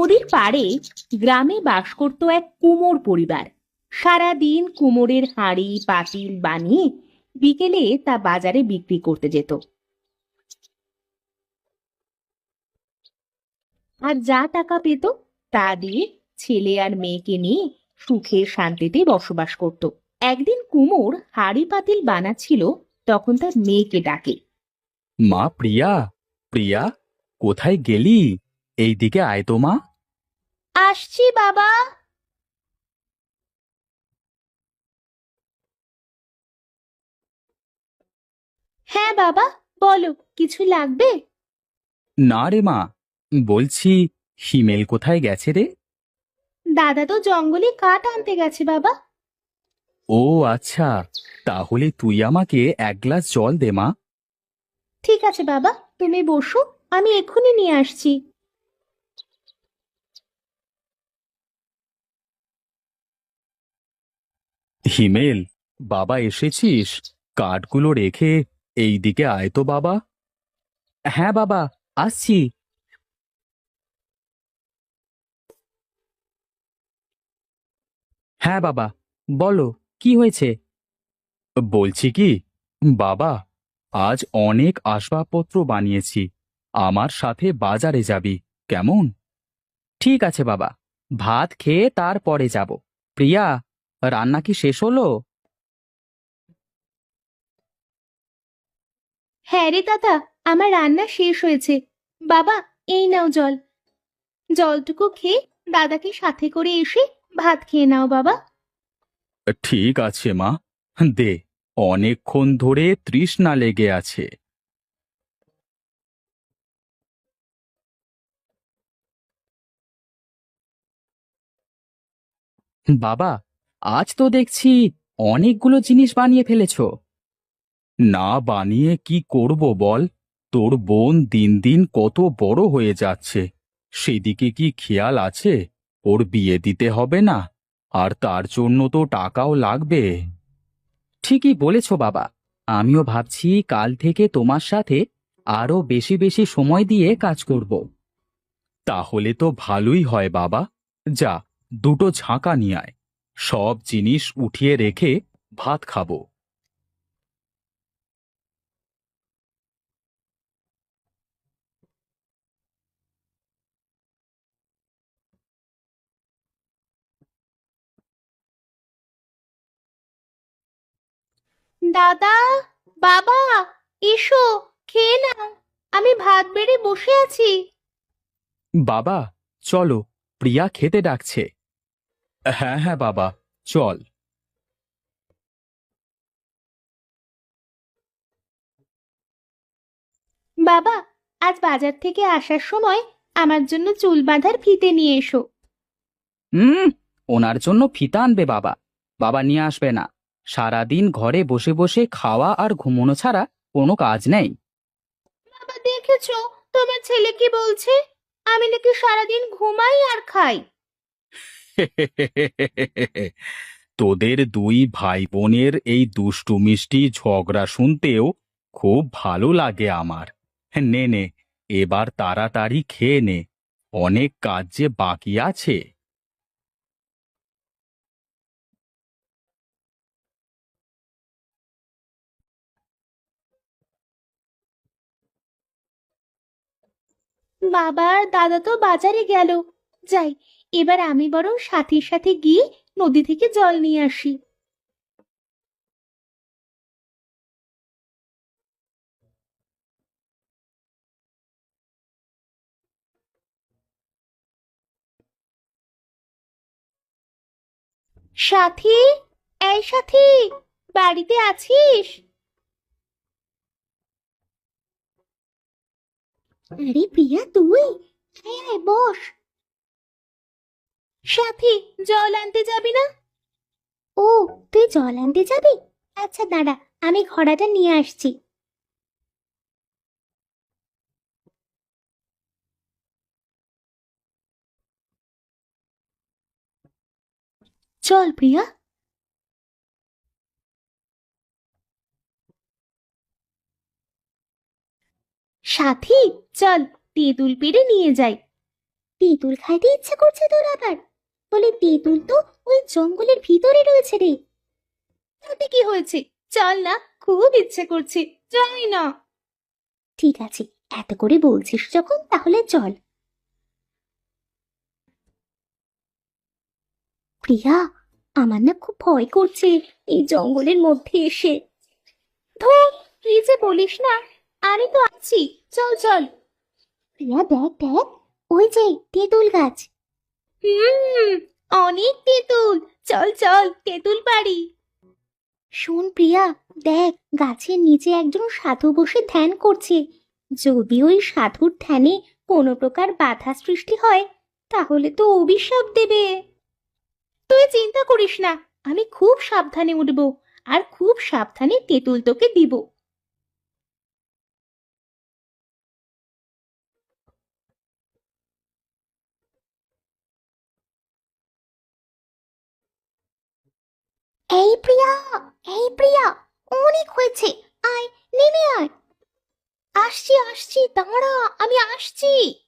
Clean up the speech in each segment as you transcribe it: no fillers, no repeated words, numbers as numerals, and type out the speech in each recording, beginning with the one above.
নদীর পাড়ে গ্রামে বাস করত এক কুমোর পরিবার। সারাদিন কুমোরের হাঁড়ি পাতিল বানিয়ে বিকেলে তা বাজারে বিক্রি করতে যেত। আর যা টাকা পেত তা দিয়ে ছেলে আর মেয়েকে নিয়ে সুখে শান্তিতে বসবাস করত। একদিন কুমোর হাঁড়ি পাতিল বানাচ্ছিল, তখন তার মেয়েকে ডাকে। মা প্রিয়া, প্রিয়া, কোথায় গেলি? এইদিকে আয় তো মা। আসছি বাবা। হ্যাঁ বাবা, বলো, কিছু লাগবে? না রে মা, বলছি হিমেল কোথায় গেছে রে? দাদা তো জঙ্গলে কাঠ আনতে গেছে বাবা। ও আচ্ছা, তাহলে তুই আমাকে এক গ্লাস জল দে মা। ঠিক আছে বাবা, তুমি বসো, আমি এক্ষুনি নিয়ে আসছি। হিমেল, বাবা এসেছিস? কাঠগুলো রেখে এইদিকে আয় তো বাবা। হ্যাঁ বাবা, আসছি। হ্যাঁ বাবা, বলো, কি হয়েছে? বলছি কি বাবা, আজ অনেক আসবাবপত্র বানিয়েছি, আমার সাথে বাজারে যাবি কেমন? ঠিক আছে বাবা, ভাত খেয়ে তারপরে যাব। প্রিয়া, রান্না কি শেষ হলো? হ্যাঁ রে দাদা, আমার রান্না শেষ হয়েছে। বাবা, এই নাও জল। জলটুকু খেয়ে দাদাকে সাথে করে এসে ভাত খেয়ে নাও বাবা। ঠিক আছে মা, দে, অনেকক্ষণ ধরে তৃষ্ণা লেগে আছে। বাবা, আজ তো দেখছি অনেকগুলো জিনিস বানিয়ে ফেলেছো। না বানিয়ে কি করব বল? তোর বোন দিন দিন কত বড় হয়ে যাচ্ছে, সেদিকে কি খেয়াল আছে? ওর বিয়ে দিতে হবে না? আর তার জন্য তো টাকাও লাগবে। ঠিকই বলেছ বাবা, আমিও ভাবছি কাল থেকে তোমার সাথে আরো বেশি বেশি সময় দিয়ে কাজ করব। তাহলে তো ভালোই হয় বাবা। যা, দুটো ঝাঁকা নিয়ে আয়, সব জিনিস উঠিয়ে রেখে ভাত খাবো। দাদা, বাবা, এসো, খেয়ে নাও। আমি ভাত বেড়ে বসে আছি। বাবা, চলো, প্রিয়া খেতে ডাকছে। হ্যাঁ হ্যাঁ বাবা, চল। বাবা, আজ বাজার থেকে আসার সময় আমার জন্য চুল বাঁধার ফিতে নিয়ে এসো। হুম, ওনার জন্য ফিতা আনবে বাবা? বাবা নিয়ে আসবে না। সারাদিন ঘরে বসে বসে খাওয়া আর ঘুমোনো ছাড়া কোনো কাজ নেই। বাবা, দেখেছো তোমার ছেলে কি বলছে? আমি নাকি সারাদিন ঘুমাই আর খাই। তোদের দুই ভাই বোনের এই দুষ্টু মিষ্টি ঝগড়া শুনতেও খুব ভালো লাগে আমার। নে নে, এবার তাড়াতাড়ি খেয়ে নে, অনেক কাজ যে বাকি আছে। বাবা আর দাদা তো বাজারে গেল। যাই, এবার আমি বরং সাথীর সাথে গিয়ে নদী থেকে জল নিয়ে আসি। সাথী, এই সাথী, বাড়িতে আছিস? আরে প্রিয়া, তুই? আয় আয়, বস। সাথী, জল আনতে যাবি না? ও, তুই জল আনতে যাবি? আচ্ছা দাঁড়া, আমি ঘড়াটা নিয়ে আসছি। চল প্রিয়া। সাথী, চল, তেঁতুল পেড়ে নিয়ে যাই। তেঁতুল খাইতে ইচ্ছে করছে তোর আবার? বলে তেঁতুল তো ওই জঙ্গলের ভিতরে রয়েছে রে। তাতে কি হয়েছে? চল না, খুব ইচ্ছে করছে, যাই না। ঠিক আছে, এত করে বলছিস যখন তাহলে চল। প্রিয়া, আমার না খুব ভয় করছে এই জঙ্গলের মধ্যে এসে। ধুর, তুই যে বলিস না, আমি তো আছি, চল চল। প্রিয়া দেখ দেখ, ওই যে তেঁতুল গাছ। হুম, অনেক তেঁতুল, চল চল তেঁতুল পাড়ি। শোন প্রিয়া, দেখ গাছের নিচে একজন সাধু বসে ধ্যান করছে। যদি ওই সাধুর ধ্যানে কোনো প্রকার বাধা সৃষ্টি হয় তাহলে তো অভিশাপ দেবে। তুই চিন্তা করিস না, আমি খুব সাবধানে উঠব, আর খুব সাবধানে তেঁতুল তোকে দিব। এই প্রিয়া, এই প্রিয়া, অনেক হয়েছে, আয়, নেমে আয়। আসছি আসছি, দাঁড়া, আমি আসছি।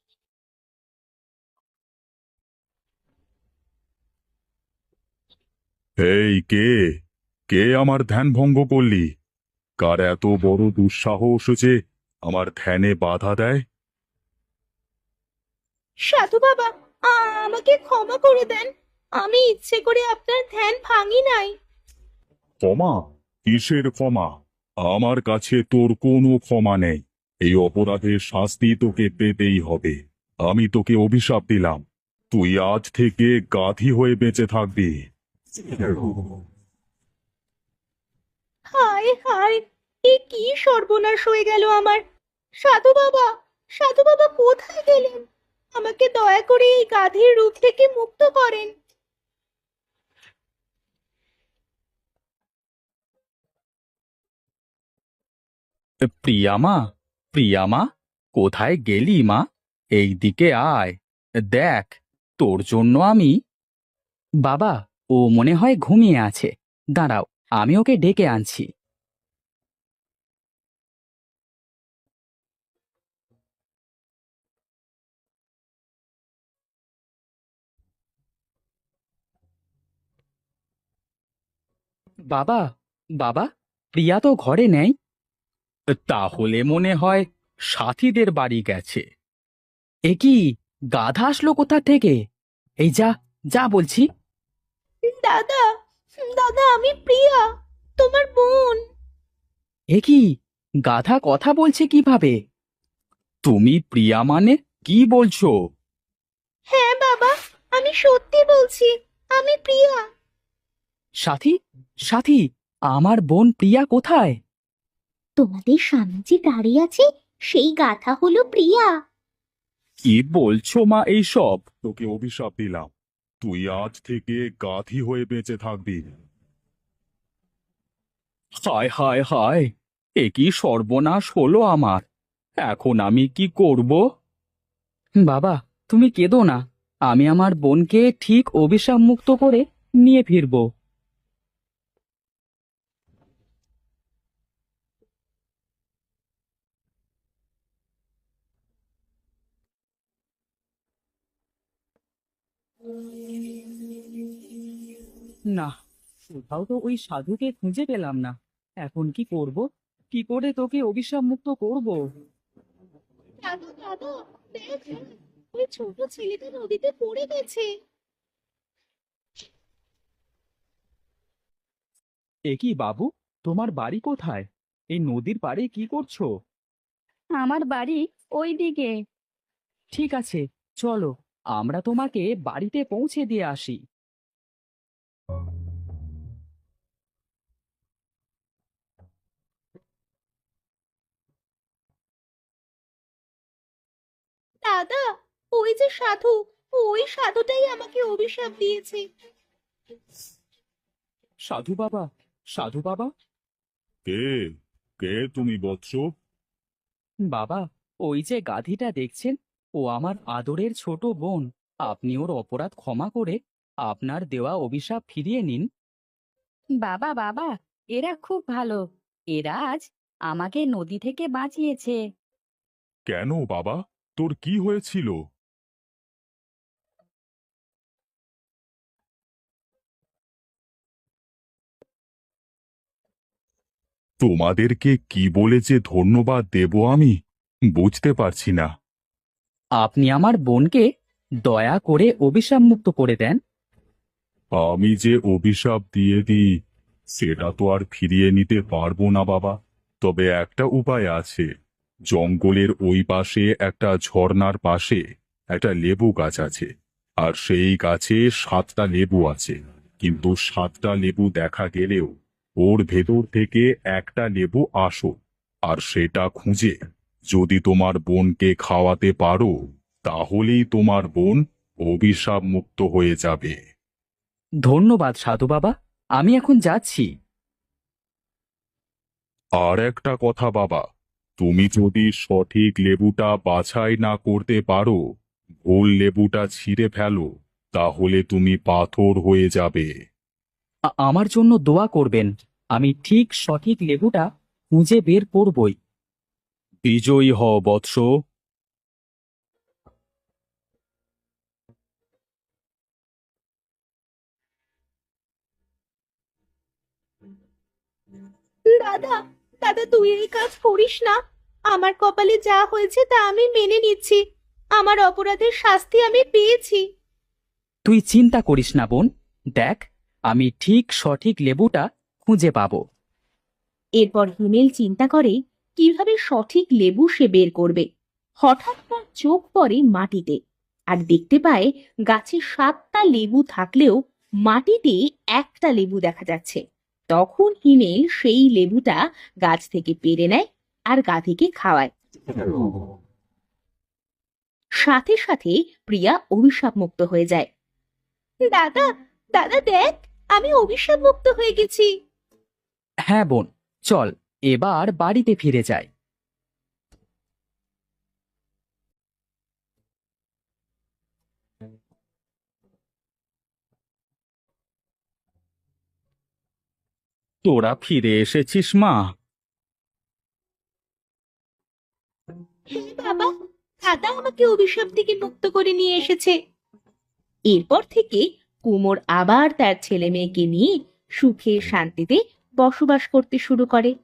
এই কে? কে আমার ধ্যান ভঙ্গ করলি? কার এত বড় দুঃসাহস যে আমার ধ্যানে বাধা দেয়? সাধু বাবা, আমাকে ক্ষমা করে দেন, আমি ইচ্ছে করে আপনার ধ্যান ভাঙি নাই। ক্ষমা? কিসের ক্ষমা? আমার কাছে তোর কোনো ক্ষমা নেই। এই অপরাধের শাস্তি তোকে পেতেই হবে। আমি তোকে অভিশাপ দিলাম, তুই আজ থেকে গাধী হয়ে বেঁচে থাকবি। হায় হায়, এ কি সর্বনাশ হয়ে গেল আমার। সাধু বাবা, সাধু বাবা কোথায় গেলেন? আমাকে দয়া করে এই গাধীর রূপ থেকে মুক্ত করেন। প্রিয়ামা, প্রিয়ামা, কোথায় গেলি মা? এইদিকে আয়, দেখ, তোর জন্য আমি। বাবা, ও মনে হয় ঘুমিয়ে আছে, দাঁড়াও, আমি ওকে ডেকে আনছি। বাবা, বাবা, প্রিয়া তো ঘরে নেই। তাহলে মনে হয় সাথীদের বাড়ি গেছে। এ কি, গাধা আসলো কোথা থেকে? এই যা, যা বলছি। দাদা, দাদা, আমি প্রিয়া, তোমার বোন। এ কি, গাধা কথা বলছে কিভাবে? তুমি প্রিয়া মানে? কি বলছো? হ্যাঁ বাবা, আমি সত্যি বলছি, আমি প্রিয়া। সাথী, সাথী, আমার বোন প্রিয়া কোথায়? তোমাদের সামনে যে দাঁড়িয়ে আছে সেই গাথা হলো প্রিয়া। কি বলছো মা এইসব? তোকে অভিশাপ দিলাম, তুই আজ থেকে গাধী হয়ে বেঁচে থাকবি। হায় হায় হায়, এ কি সর্বনাশ হলো আমার! এখন আমি কি করব? বাবা, তুমি কেঁদো না, আমি আমার বোনকে ঠিক অভিশাপ মুক্ত করে নিয়ে ফিরবো। না, কোথাও তো ওই সাধুকে খুঁজে পেলাম না। এখন কি করব? কি করে তোকে অভিশাপ মুক্ত করব? দাদা দাদা, দেখ দেখ, ওই ছোট ছেলেটা নদীতে পড়ে গেছে। এ কি বাবু, তোমার বাড়ি কোথায়? এই নদীর পাড়ে কি করছো? আমার বাড়ি ওই দিকে। ঠিক আছে, চলো, আমরা তোমাকে বাড়িতে পৌঁছে দিয়ে আসি। দাদা, ওই যে সাধু, ওই সাধুটাই আমাকে অভিশাপ দিয়েছে। সাধু বাবা, সাধু বাবা। কে? কে তুমি বৎস? বাবা, ওই যে গাধীটা দেখছেন, ও আমার আদরের ছোট বোন। আপনি ওর অপরাধ ক্ষমা করে আপনার দেওয়া অভিশাপ ফিরিয়ে নিন। বাবা বাবা, এরা খুব ভালো। এরা আজ আমাকে নদী থেকে বাঁচিয়েছে। কেন বাবা, তোর কি হয়েছিল? তোমাদেরকে কি বলে যে ধন্যবাদ দেব আমি বুঝতে পারছি না। আপনি আমার বোনকে দয়া করে অভিশাপ মুক্ত করে দেন। আমি যে অভিশাপ দিয়ে দিই সেটা তো আর ফিরিয়ে নিতে পারবো না বাবা। তবে একটা উপায় আছে। জঙ্গলের ওই পাশে একটা ঝর্ণার পাশে একটা লেবু গাছ আছে, আর সেই গাছে 7টা লেবু আছে। কিন্তু 7টা লেবু দেখা গেলেও ওর ভেতর থেকে একটা লেবু আসল, আর সেটা খুঁজে যদি তোমার বোনকে খাওয়াতে পারো তাহলেই তোমার বোন অভিশাপ মুক্ত হয়ে যাবে। ধন্যবাদ সাধু বাবা, আমি এখন যাচ্ছি। আর একটা কথা বাবা, তুমি যদি সঠিক লেবুটা বাছাই না করতে পারো, ভুল লেবুটা ছিঁড়ে ফেলো, তাহলে তুমি পাথর হয়ে যাবে। আমার জন্য দোয়া করবেন, আমি ঠিক সঠিক লেবুটা খুঁজে বের করবই। বিজয়ী হও বৎস। দাদা, দাদা তুই এই কাজ করিস না। আমার কপালে যা হয়েছে তা আমি মেনে নিচ্ছি। আমার অপরাধের শাস্তি আমি পেয়েছি। তুই চিন্তা করিস না বোন, দেখ আমি ঠিক সঠিক লেবুটা খুঁজে পাবো। এরপর হিমেল চিন্তা করে কিভাবে সঠিক লেবু সে বের করবে। হঠাৎ তার চোখ পড়ে মাটিতে, আর দেখতে পায় গাছে 7টা লেবু থাকলেও মাটিতে একটা লেবু দেখা যাচ্ছে। তখন হিমেল সেই লেবুটা গাছ থেকে পেড়ে নেয় আর গাধীকে খাওয়ায়। সাথে সাথে প্রিয়া অভিশাপ মুক্ত হয়ে যায়। দাদা, দাদা দেখ, আমি অভিশাপ মুক্ত হয়ে গেছি। হ্যাঁ বোন, চল এবার বাড়িতে ফিরে যাই। তোরা ফিরে এসেছিস মা? হে বাবা, দাদা আমাকে অভিশাপ থেকে মুক্ত করে নিয়ে এসেছে। এরপর থেকে কুমোর আবার তার ছেলে মেয়েকে নিয়ে সুখে শান্তিতে বসবাস করতে শুরু করে।